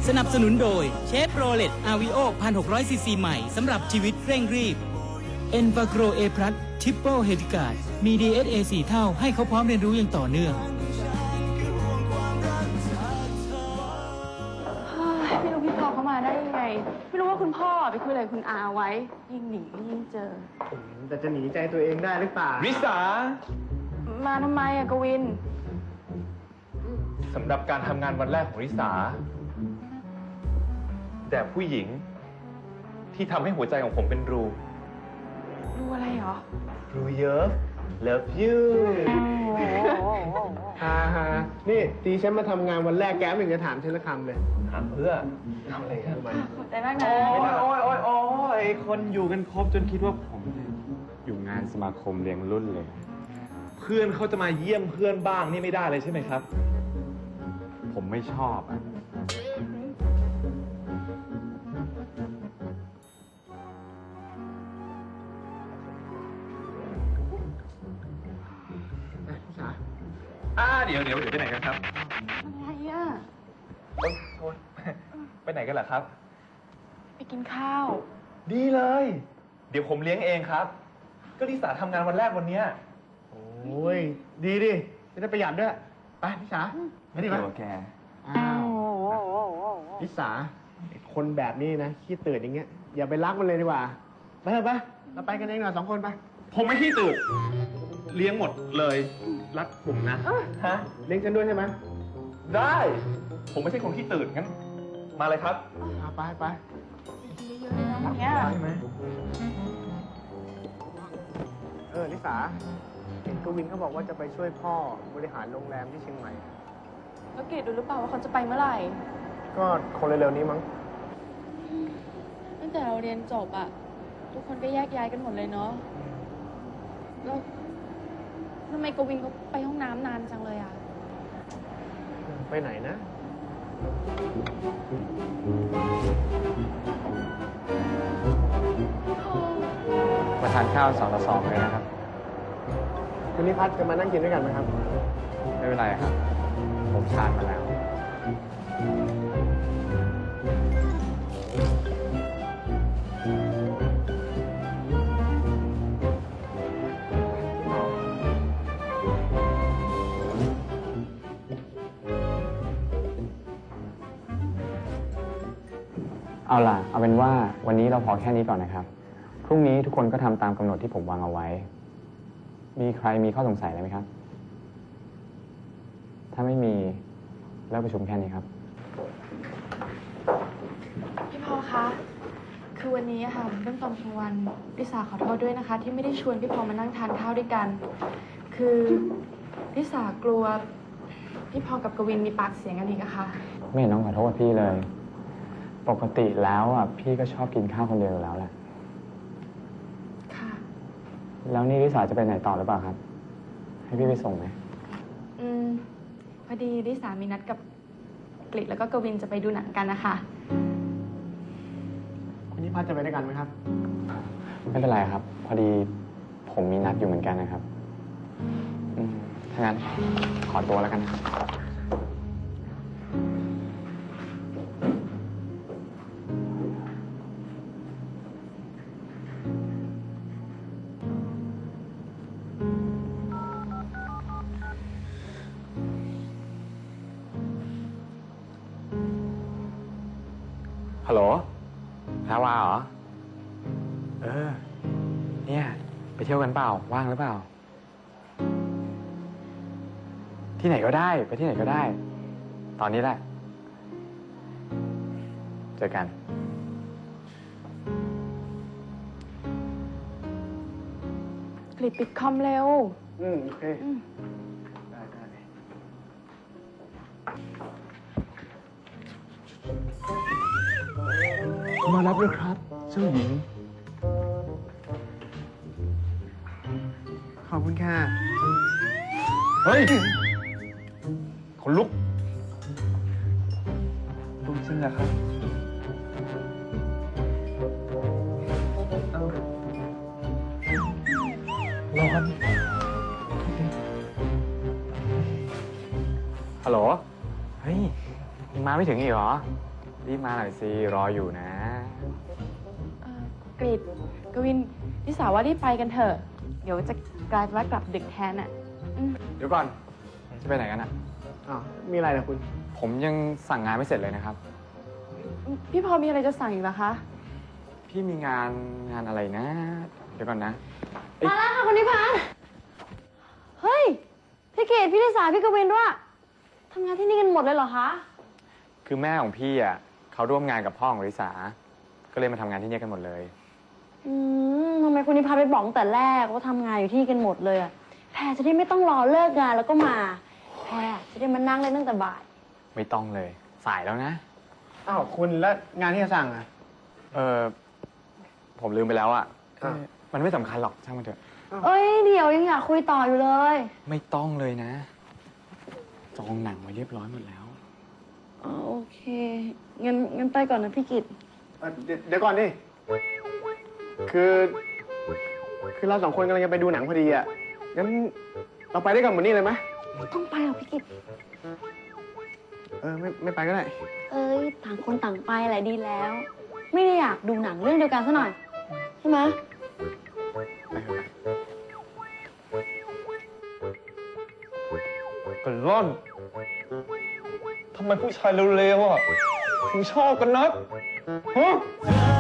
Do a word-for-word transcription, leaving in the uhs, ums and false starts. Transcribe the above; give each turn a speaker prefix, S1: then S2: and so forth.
S1: สนับสนุนโดยเชฟโรเลตอาวิโอ หนึ่งพันหกร้อย ซีซีใหม่สำหรับชีวิตเร่งรีบเอ็นฟาโกรเอพลัสทริปเปิลเฮดิการ์ดมี ดี เอส เอ สี่ เท่าให้เขาพร้อมเรียนรู้อย่างต่อเนื่อง
S2: ไม่รู้พี่พอเขามาได้ยังไงไม่รู้ว่าคุณพ่อไปคุยอะไรคุณอาไว้ยิ่งหนียิ่งเจอ
S3: แต่จะหนีใจตัวเองได้หรือเปล่า
S4: ริสา
S2: มาทำไมอะกวิน
S4: สำหรับการทำงานวันแรกของริสาแต่ผู้หญิงที่ทำให้หัวใจของผมเป็นรู
S2: รูอะไรเหรอ
S4: รูเยอะ love you
S3: ฮ่าฮ่านี่ตีฉันมาทำงานวันแรกแกไม่เห็นจะถามฉันละคำเลย
S4: ถามเพื่อทำอะไรกัน
S2: ขอบใจมากนะ
S4: โอ้ยโอ้ยโอ้ยโอ้ยคนอยู่กันครบจนคิดว่าผมอยู่งานสมาคมเลี้ยงรุ่นเลย เพื่อนเขาจะมาเยี่ยมเพื่อนบ้างนี่ไม่ได้เลยใช่ไหมครับผมไม่ชอบอ่ะอ่าเดี๋ยวเดี๋ยวเดี๋ยวไปไหนกันครับ
S2: อะไรอ่ะ
S4: โอ๊ยโอ๊ยไปไหนกันล่ะครับ
S2: ไปกินข้าว
S4: ดีเลยเดี๋ยวผมเลี้ยงเองครับก็ลิสาทำงานวันแรกวันเนี้ย
S3: โอ้ยดีดิจะได้ประหยัดด้วยไปพี่สาไม่ดีไหม
S4: แก
S3: อ้าวพี่สาคนแบบนี้นะขี้ตื่นอย่างเงี้ยอย่าไปรักมันเลยดีกว่าไปเถอะไปเราไปกันเองหน่อยสองคนไป
S4: ผมไม่ขี้ตื่นเลี้ยงหมดเลยรักผมนะ
S3: ฮะเลี้ยงฉันด้วยใช่ไหม
S4: ได้ผมไม่ใช่คนขี้ตื่นงั้นมาเลยครับ
S3: เอาไปไป
S2: เยอะๆนะเนี่ย
S4: ใช่ไหม
S3: เออลิสาเห็นกวินเขาบอกว่าจะไปช่วยพ่อบริหารโรงแรมที่เชียงใหม่
S2: แล้วเกดดูหรือเปล่าว่าเขาจะไปเมื่อไหร่
S3: ก็คงเร็วๆนี้มั้ง
S2: ตั้งแต่เราเรียนจบอะทุกคนก็แยกย้ายกันหมดเลยเนาะแล้วทำไมกวินเขาไปห้องน้ำนานจังเลยอะ
S3: ไปไหนนะ
S5: มาทานข้าวสองต่อสองเลยนะครับ
S3: คุณนิพัฒน์จะมานั่งกินด้วยกันไหมครับ
S5: ไม่เป็นไรครับผมทานมาแล้วเอาล่ะเอาเป็นว่าวันนี้เราพอแค่นี้ก่อนนะครับพรุ่งนี้ทุกคนก็ทำตามกำหนดที่ผมวางเอาไว้มีใครมีข้อสงสัยอะไรไหมครับถ้าไม่มีเลิกประชุมแค่นี้ครับ
S2: พี่พอคะคือวันนี้ค่ะเรื่องตอนกลางวันลิสาขอโทษด้วยนะคะที่ไม่ได้ชวนพี่พอมานั่งทานข้าวด้วยกันคือลิสากลัวพี่พอกับกวินมีปากเสียงกันอีกอะค่ะ
S5: ไม่เห็นต้องขอโทษพี่เลยปกติแล้วอ่ะพี่ก็ชอบกินข้าวคนเดียวอยู่แล้วแหละ
S2: ค่ะ
S5: แล้วนี่ลิสาจะไปไหนต่อหรือเปล่าครับให้พี่ไปส่งไหม
S2: อืมพอดีลิสามีนัดกับกฤษแล้วก็กวินจะไปดูหนังกันนะคะ
S3: คุณนิพัฒน์จะไปด้วยกันไหมครับ
S5: ไม่เป็นไรครับพอดีผมมีนัดอยู่เหมือนกันนะครับอืมถ้างั้นขอตัวแล้วกันนะครับฮัลโหลแพรวาเหรอเออเนี่ยไปเที่ยวกันเปล่าว่างหรือเปล่าที่ไหนก็ได้ไปที่ไหนก็ได้ตอนนี้แหละเจอกัน
S2: กฤษปิดคอมเร็ว
S3: อืมโอเคได้ได้มารับเลยครับเจ้าหญิงขอบคุณค่ะ
S4: เฮ้ยคนลุกลุกจริงนะครับร้อน
S5: ฮัลโหลเฮ้ยยังมาไม่ถึงอีกเหรอรีบมาหน่อยสิ รออยู่นะ
S2: เอ่อกริดกวินลิสาว่ารีบไปกันเถอะ เดี๋ยวจะกลายเป็นว่ากลับดึกแทนอ่ะอืม
S5: เดี๋ยวก่อน จะไปไหนกันอะ
S3: อ้าว มีอะไรนะคุณ
S5: ผมยังสั่งงานไม่เสร็จเลยนะครับ
S2: พี่พอมีอะไรจะสั่งอีกเหรอคะ
S5: พี่มีงานงานอะไรนะ เดี๋ยวก่อนนะ
S6: มาแล้วค่ะคุณนิพานธ์เฮ้ย พี่เกดพี่ลิสาพี่กวินด้วยทำงานที่นี่กันหมดเลยเหรอคะ
S5: คือแม่ของพี่อ่ะเขาร่วมงานกับพ่อของริสา ก็เลยมาทำงานที่นี่กันหมดเลย
S6: อืมทำไมคุณนิพานธ์ไปบอกตั้งแต่แรกว่าทำงานอยู่ที่นี่กันหมดเลยอะแพรจะได้ไม่ต้องรอเลิกงานแล้วก็มา แพรจะได้มานั่งเล่นตั้งแต่บ่าย
S5: ไม่ต้องเลย สายแล้วนะ
S3: อ้าว คุณแล้วงานที่จะสั่งอ่ะ
S5: เออผมลืมไปแล้วอ่ะ
S3: อ่ะ
S5: เอ๊ะมันไม่สำคัญหรอกช่างมันเถอะ
S6: เอ้ยเดี๋ยวยังอยากคุยต่ออยู่เลย
S5: ไม่ต้องเลยนะ จองหนังไว้เรียบร้อยหมดแล้ว
S6: อ๋อโอเคงั้นงั้นไปก่อนนะพี่กิต
S3: เอ่อเดี๋ยวเดี๋ยวก่อนดิ คือ คือเราสองคนกำลังจะไปดูหนังพอดีอ่ะ งั้นเราไปด้วยกันหมดนี่เลยไหม
S6: ต้องไปหรอพี่กิต
S3: เออ ไม่ไม่ไปก็ได้
S6: เอ้ยต่างคนต่างไปแหละดีแล้ว ไม่ได้อยากดูหนังเรื่องเดียวกันซะหน่อยใช่ไหม
S4: กันร่อน ทำไมผู้ชายเร็วๆอ่ะ ถึงชอบกันนักฮะ